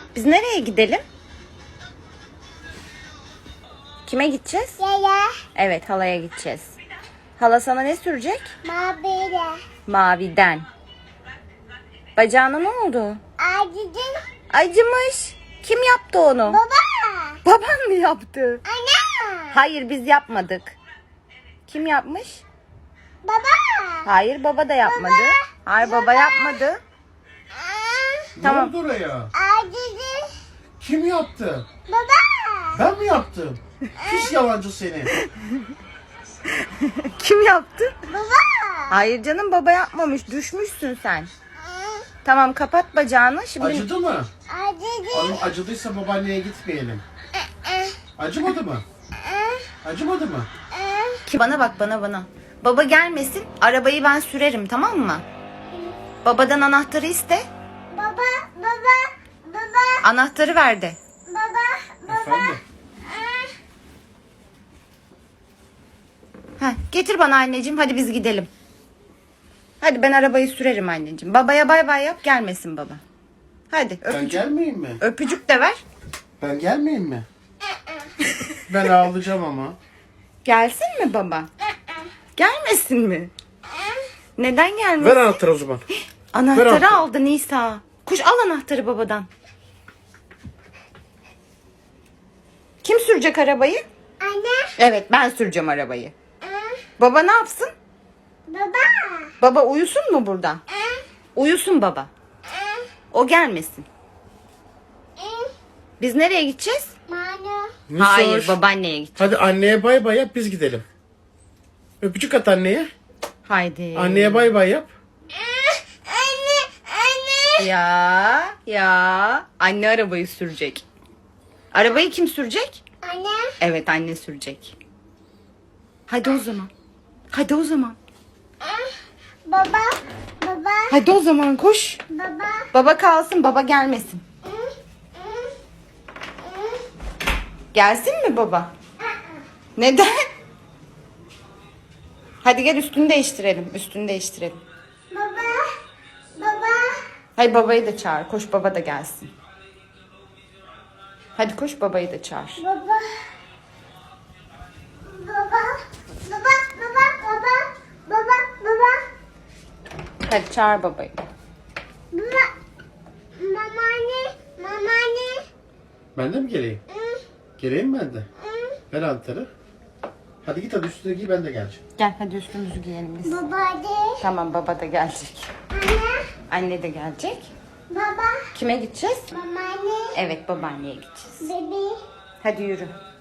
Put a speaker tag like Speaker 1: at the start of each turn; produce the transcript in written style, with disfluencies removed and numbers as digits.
Speaker 1: Biz nereye gidelim? Kime gideceğiz?
Speaker 2: Yaya.
Speaker 1: Evet, halaya gideceğiz. Hala sana ne sürecek?
Speaker 2: Maviyle.
Speaker 1: Maviden. Bacağına ne oldu?
Speaker 2: Acıdın.
Speaker 1: Acımış. Kim yaptı onu?
Speaker 2: Baba.
Speaker 1: Baban mı yaptı?
Speaker 2: Ana.
Speaker 1: Hayır, biz yapmadık. Kim yapmış?
Speaker 2: Baba.
Speaker 1: Hayır, baba da yapmadı. Hayır, baba yapmadı. Tamam.
Speaker 3: Ne oldu oraya?
Speaker 2: Acıdın.
Speaker 3: Kim yaptı?
Speaker 2: Baba.
Speaker 3: Ben mi yaptım? Pis yalancı seni.
Speaker 1: Kim yaptı?
Speaker 2: Baba.
Speaker 1: Hayır canım, baba yapmamış. Düşmüşsün sen. Tamam, kapat bacağını. Şimdi
Speaker 3: Acıdı mı?
Speaker 2: Acıdın.
Speaker 3: Oğlum acıdıysa babaanneye gitmeyelim. Acımadı mı? Acımadı mı?
Speaker 1: Bana bak, bana. Baba gelmesin. Arabayı ben sürerim, tamam mı? Babadan anahtarı iste.
Speaker 2: Baba. Baba. Baba.
Speaker 1: Anahtarı ver de.
Speaker 2: Baba.
Speaker 3: Efendim?
Speaker 1: Heh, getir bana anneciğim. Hadi biz gidelim. Hadi ben arabayı sürerim anneciğim. Babaya bay bay yap, gelmesin baba. Hadi
Speaker 3: Ben
Speaker 1: öpücük.
Speaker 3: gelmeyeyim mi?
Speaker 1: Öpücük de ver.
Speaker 3: Ben gelmeyeyim mi? Ben ağlayacağım ama.
Speaker 1: Gelsin mi baba? Gelmesin mi? Neden gelmesin?
Speaker 3: Ver anahtarı o zaman.
Speaker 1: Anahtarı
Speaker 3: ver anahtarı.
Speaker 1: aldı Nisa. Koş al anahtarı babadan. Kim sürecek arabayı?
Speaker 2: Anne.
Speaker 1: Evet, ben süreceğim arabayı. Baba ne yapsın?
Speaker 2: Baba.
Speaker 1: Baba uyusun mu burada? Uyusun baba. O gelmesin. Biz nereye gideceğiz?
Speaker 2: Manu.
Speaker 1: Hayır, babaanneye gideceğiz.
Speaker 3: Hadi anneye bay bay yap, biz gidelim. Öpücük at anneye.
Speaker 1: Haydi.
Speaker 3: Anneye bay bay yap.
Speaker 2: Anne.
Speaker 1: Ya. Anne arabayı sürecek. Arabayı kim sürecek?
Speaker 2: Anne.
Speaker 1: Evet, anne sürecek. Hadi o zaman. Hadi o zaman.
Speaker 2: Baba. Baba.
Speaker 1: Hadi o zaman koş.
Speaker 2: Baba.
Speaker 1: Baba kalsın, baba gelmesin. Gelsin mi baba? Neden? Hadi gel üstünü değiştirelim. Üstünü değiştirelim.
Speaker 2: Baba. Baba.
Speaker 1: Hayır, babayı da çağır. Koş, baba da gelsin. Hadi koş, babayı da çağır.
Speaker 2: Baba. Baba. Baba. Baba. Baba. Baba. Baba.
Speaker 1: Hadi çağır babayı.
Speaker 2: Baba. Mama anne.
Speaker 3: Ben de mi geleyim? Geleyim ben de. Ver anahtarı. Hadi git, hadi üstüne giy, ben de geleceğim.
Speaker 1: Gel hadi üstümüzü giyelim biz.
Speaker 2: Baba de.
Speaker 1: Tamam, baba da gelecek.
Speaker 2: Anne.
Speaker 1: Anne de gelecek.
Speaker 2: Baba.
Speaker 1: Kime gideceğiz?
Speaker 2: Mama anne.
Speaker 1: Evet, babaanneye gideceğiz.
Speaker 2: Bebi.
Speaker 1: Hadi yürü.